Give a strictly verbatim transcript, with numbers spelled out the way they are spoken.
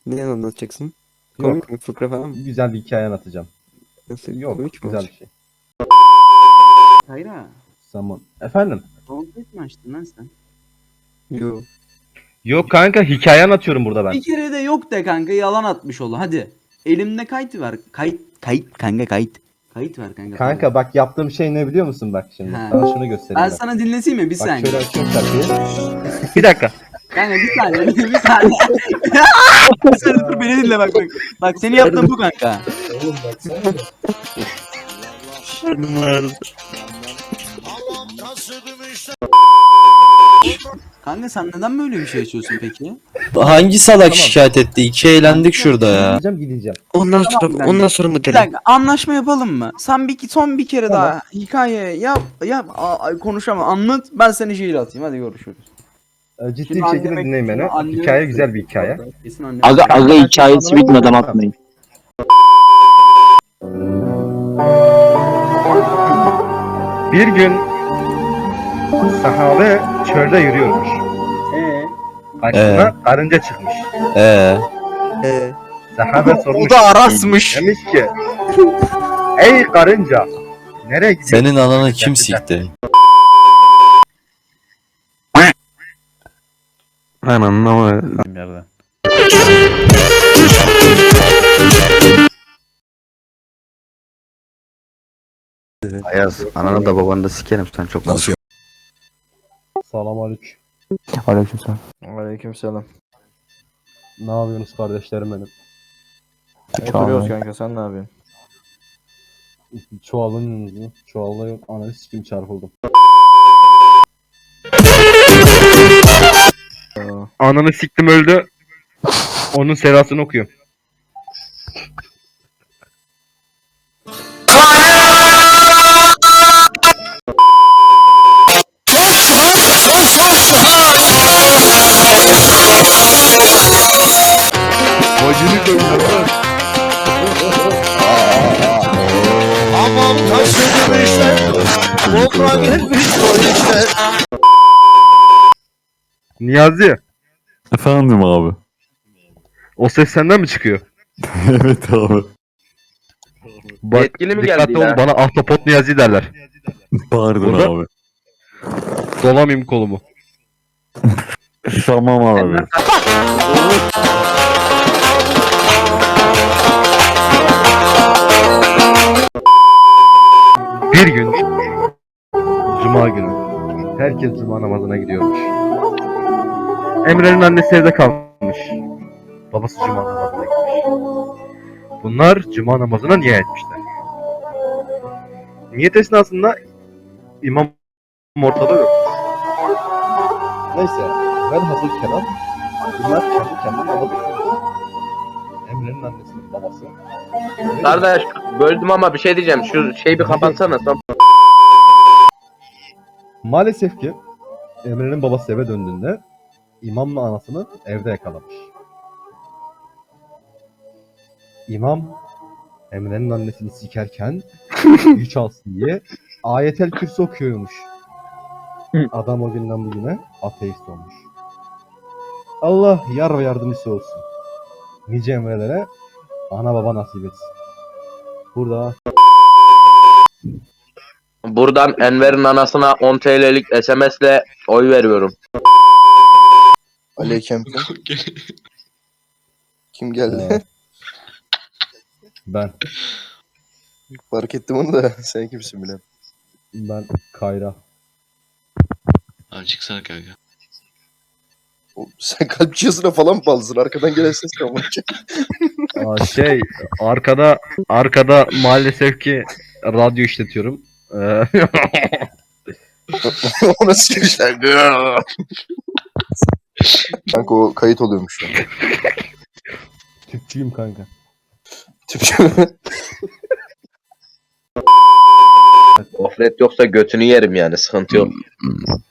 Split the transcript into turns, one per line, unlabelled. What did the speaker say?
Ne anlatacaksın?
Yok.
Komik mi? Fıkra falan mı?
Güzel bir hikaye anlatacağım.
Nasıl?
Yok,
Komik mi
güzel bir
olacak?
şey.
Hayra,
Zaman. Efendim?
sohbet mi açtın lan sen?
Yo.
Yok kanka, hikaye anlatıyorum burada ben.
Bir kere de yok de kanka, yalan atmış ol hadi. Elimde kayıt var. Kayıt, kayıt kanka kayıt. Kayıt var kanka.
Kanka bak, yaptığım şey ne biliyor musun bak şimdi?
Ha.
Sana şunu göstereyim
Ben
ben.
sana dinleteyim mi? Bir
Bak
saniye.
şöyle açıyorum şarkıyı. Bir dakika.
Kanka bir saniye, bir saniye. Bir saniye dur, beni dinle bak bak. Bak seni yaptığım bu kanka. Kanka sen neden böyle bir şey açıyorsun peki?
Hangi salak
Tamam.
şikayet etti? İki eğlendik şurada ya.
Gideceğim gideceğim.
Ondan
Tamam,
sonra
ben-
ondan sonra mı
Bir
derim?
dakika, anlaşma yapalım mı? Sen bir son bir kere
Tamam.
daha hikaye yap yap a- konuşamam, anlat, ben seni şiir atayım, hadi görüşürüz.
Ee, Ciddi
Şimdi
bir şekilde
anneme-
dinleyin beni.
anneme-
Hikaye güzel bir hikaye.
Kesin annem.
Aga aga
Ben-
hikayesi
ben-
bitmeden
ben-
atmayın.
Bir gün sahabe çölde yürüyormuş.
Ee,
Karşısına karınca çıkmış.
Ee,
Ee,
Sahabe sormuş.
o da Aras'mış.
Demiş ki: ey karınca, nereye gidiyorsun?
senin ananı kim sikti?
ben anlamadım.
Yerden.
Ayaz, ananı da babanı da sikerim, sen çok konuşuyorsun.
Selam aleyküm.
Aleykümselam.
Aleykümselam.
Ne yapıyorsunuz kardeşlerim benim?
Oturuyoruz kanka, sen ne yapıyorsun?
Çoğalın çoğalayım, ananı sikim çarpıldım. Ananı siktim öldü. Onun serasını okuyorum. Bacını koyuyorum.
Aman taşıdım işte, toprağa gelmiş o işte.
Niyazi,
Efendim abi.
o ses senden mi çıkıyor?
Evet abi.
Bak,
Yetkili mi
dikkatli
geldi
ol,
ya?
bana ahtapot Niyazi derler.
Pardon
Burada-
abi.
Dolamayayım kolumu.
Tamam abi.
Bir gün Cuma günü herkes Cuma namazına gidiyormuş. Emre'nin annesi evde kalmış. Babası Cuma namazına gitmiş. Bunlar Cuma namazına niyet etmişler. Niyet esnasında imam ortada yok. Neyse, ben hazır kelam. Bunlar kendi kendine namaz kılıyor. Emre'nin annesinin babası.
Kardeş böldüm ama bir şey diyeceğim. Şu şeyi bir kapatsana. Son...
Maalesef ki Emre'nin babası eve döndüğünde imamla anasını evde yakalamış. İmam Emre'nin annesini sikerken güç alsın diye Ayetel Kürsi okuyormuş. Adam o günden bugüne ateist olmuş. Allah yar ve yardımcısı olsun. Nice Emre'lere ana baba nasip etsin. Burada
Buradan Enver'in anasına on T L'lik S M S'le oy veriyorum.
Aleyküm. Kim geldi?
e, ben
Fark ettim onu da. Sen kimsin bile?
ben Kayra.
Abi çıksana kanka.
O- Sen kalp cihazına falan mı bağlısın? Arkadan gelen ses kalmak.
Aa, şey arkada arkada maalesef ki radyo işletiyorum. Ee,
O nasıl girişler? Kanka o kayıt oluyormuş şu an.
Tüpçüyüm kanka.
Tüpçü.
Gofret yoksa götünü yerim yani, sıkıntı yok.